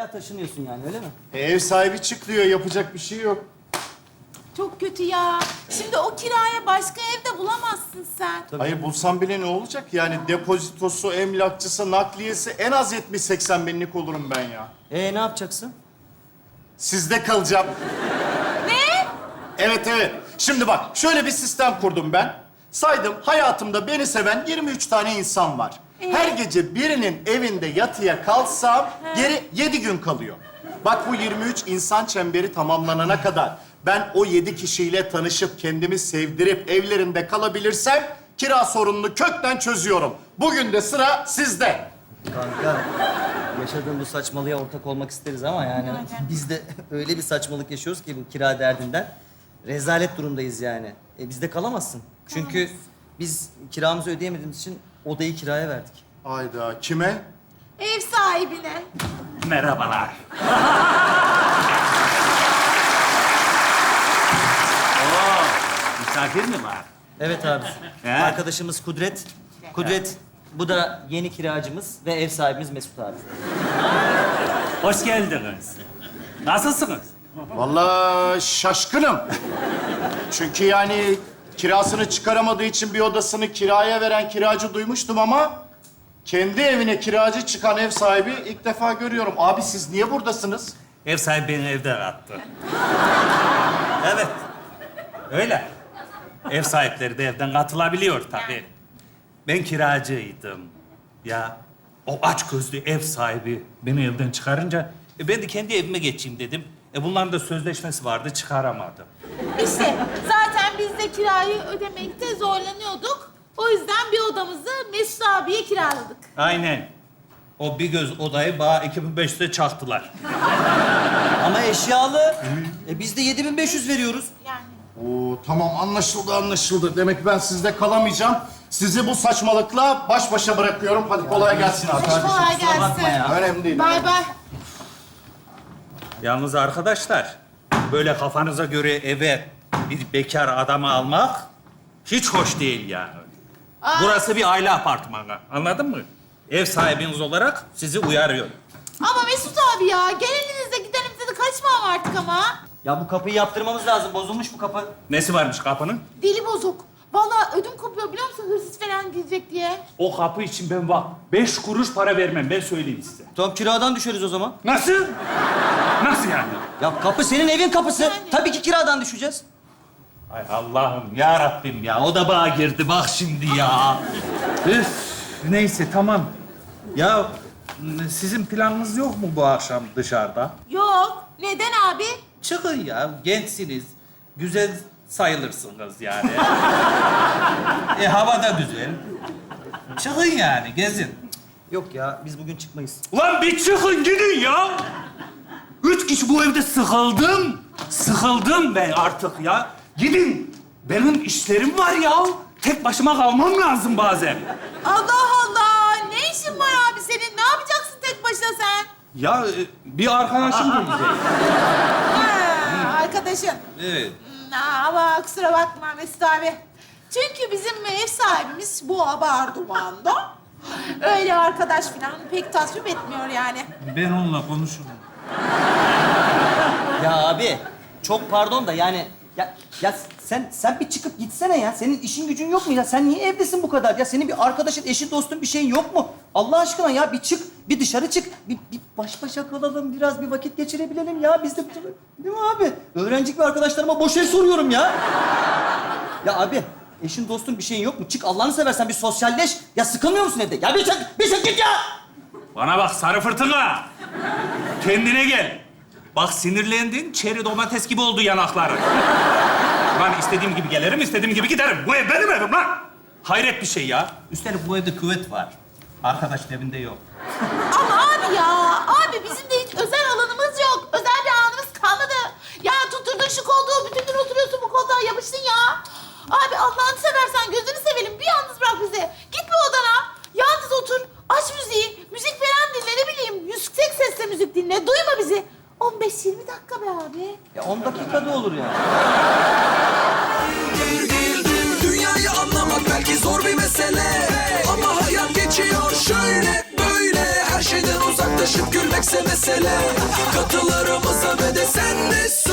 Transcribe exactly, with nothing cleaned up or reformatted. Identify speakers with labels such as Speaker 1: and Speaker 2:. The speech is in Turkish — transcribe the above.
Speaker 1: hala taşınıyorsun yani, öyle mi?
Speaker 2: E, ev sahibi çık diyor, yapacak bir şey yok.
Speaker 3: Çok kötü ya. Şimdi o kiraya başka evde bulamazsın sen.
Speaker 2: Hayır, bulsam bile ne olacak? Yani depozitosu, emlakçısı, nakliyesi en az yetmiş seksen binlik olurum ben ya.
Speaker 1: Ee ne yapacaksın?
Speaker 2: Sizde kalacağım.
Speaker 3: Ne?
Speaker 2: Evet, evet. Şimdi bak, şöyle bir sistem kurdum ben. Saydım, hayatımda beni seven yirmi üç tane insan var.
Speaker 3: Ee?
Speaker 2: Her gece birinin evinde yatıya kalsam geri yedi gün kalıyor. Bak, bu yirmi üç insan çemberi tamamlanana kadar ben o yedi kişiyle tanışıp kendimi sevdirip evlerinde kalabilirsem kira sorununu kökten çözüyorum. Bugün de sıra sizde.
Speaker 1: Kanka, yaşadığın bu saçmalığa ortak olmak isteriz ama yani biz de öyle bir saçmalık yaşıyoruz ki bu kira derdinden. Rezalet durumdayız yani. E bizde kalamazsın. Çünkü biz kiramızı ödeyemediğimiz için odayı kiraya verdik.
Speaker 2: Hayda, kime?
Speaker 3: Ev sahibine.
Speaker 4: Merhabalar. Oo, misafir mi var?
Speaker 1: Evet abi.
Speaker 4: He?
Speaker 1: Arkadaşımız Kudret. Kudret, bu da yeni kiracımız ve ev sahibimiz Mesut abi.
Speaker 4: Hoş geldiniz. Nasılsınız?
Speaker 2: Vallahi şaşkınım. Çünkü yani kirasını çıkaramadığı için bir odasını kiraya veren kiracı duymuştum ama kendi evine kiracı çıkan ev sahibi ilk defa görüyorum. Abi siz niye buradasınız?
Speaker 4: Ev sahibi beni evden attı. Evet. Öyle. Ev sahipleri de evden katılabiliyor tabii. Ben kiracıydım. Ya o aç gözlü ev sahibi beni evden çıkarınca e, ben de kendi evime geçeyim dedim. E bunların da sözleşmesi vardı, çıkaramadım.
Speaker 3: İşte zaten biz de kirayı ödemekte zorlanıyorduk. O yüzden bir odamızı Mesut abiye kiraladık.
Speaker 4: Aynen. O bir göz odayı bana iki bin beş yüze çaktılar.
Speaker 1: Ama eşyalı. E biz de yedi bin beş yüz veriyoruz.
Speaker 3: Yani.
Speaker 2: Oo, tamam, anlaşıldı anlaşıldı. Demek ben sizde kalamayacağım. Sizi bu saçmalıkla baş başa bırakıyorum. Hadi kolay gelsin abi.
Speaker 3: Kolay gelsin.
Speaker 2: Önemli değil.
Speaker 3: Bay bay.
Speaker 4: Yalnız arkadaşlar, böyle kafanıza göre eve bir bekar adamı almak hiç hoş değil yani.
Speaker 3: Aa.
Speaker 4: Burası bir aile apartmanı, anladın mı? Ev sahibiniz olarak sizi uyarıyorum.
Speaker 3: Ama Mesut abi ya, gel elinizde gidelim dedi. Kaçma artık ama.
Speaker 1: Ya bu kapıyı yaptırmamız lazım. Bozulmuş bu kapı.
Speaker 4: Nesi varmış kapının?
Speaker 3: Dili bozuk. Vallahi ödüm kopuyor biliyor musun? Hırsız falan girecek diye.
Speaker 4: O kapı için ben bak, beş kuruş para vermem, ben söyleyeyim size.
Speaker 1: Tamam, kiradan düşeriz o zaman.
Speaker 4: Nasıl? Nasıl yani?
Speaker 1: Ya kapı senin evin kapısı. Tabii ki kiradan düşeceğiz.
Speaker 4: Ay Allah'ım, ya Rabbim ya, o da bağa girdi bak şimdi ya. Üf, neyse tamam. Ya sizin planınız yok mu bu akşam dışarıda?
Speaker 3: Yok. Neden abi?
Speaker 4: Çıkın ya, gençsiniz. Güzel sayılırsınız yani. e hava da güzel. Çıkın yani, gezin.
Speaker 1: Yok ya, biz bugün çıkmayız.
Speaker 4: Ulan bir çıkın gidin ya. Üç kişi bu evde sıkıldım. Sıkıldım ben artık ya. Gidin. Benim işlerim var ya. Tek başıma kalmam lazım bazen.
Speaker 3: Allah Allah. Ne işin var abi senin? Ne yapacaksın tek başına sen?
Speaker 4: Ya e, bir arkadaşım gelecek.
Speaker 3: Ha, arkadaşın.
Speaker 4: Evet.
Speaker 3: Hmm, ama kusura bakma Mesut abi. Çünkü bizim ev sahibimiz bu Abarduman'da. Öyle arkadaş falan pek tasvip etmiyor yani.
Speaker 4: Ben onunla konuşurum.
Speaker 1: Ya abi, çok pardon da yani... Ya, ya sen sen bir çıkıp gitsene ya. Senin işin gücün yok mu ya? Sen niye evdesin bu kadar? Ya senin bir arkadaşın, eşin, dostun bir şeyin yok mu? Allah aşkına ya bir çık, bir dışarı çık. Bir, bir baş başa kalalım, biraz bir vakit geçirebilelim ya. Biz de... Değil mi abi? Öğrencik bir arkadaşlarıma boş el soruyorum ya. Ya abi, eşin, dostun bir şeyin yok mu? Çık Allah'ını seversen bir sosyalleş. Ya sıkılmıyor musun evde? Ya bir çık, bir çık git ya!
Speaker 4: Bana bak sarı fırtına. Kendine gel. Bak sinirlendin, çeri domates gibi oldu yanakların. Lan istediğim gibi gelirim, istediğim gibi giderim. Bu ev benim evim lan. Hayret bir şey ya. Üstelik bu evde küvet var. Arkadaşın evinde yok.
Speaker 3: Ama abi ya, abi bizim de hiç özel alanımız yok. Özel bir alanımız kalmadı. Ya tutturdun şu koltuğu, bütün gün oturuyorsun bu koltuğa, yapıştın ya. Abi Allah'ını seversen gözünü sevelim, bir yalnız bırak bizi. Git bir odana, yalnız otur, aç müziği, müzik falan dinle, ne bileyim. Yüksek sesle müzik dinle, duyma bizi. on beş yirmi dakika be abi.
Speaker 1: Ya on dakikada olur ya.
Speaker 5: Dünyayı anlamak belki zor bir mesele, ama hayat geçiyor şöyle böyle. Her şeyden uzaklaşıp paylaşıp gülmekse mesele. Katılarımıza ve de sen de söyle.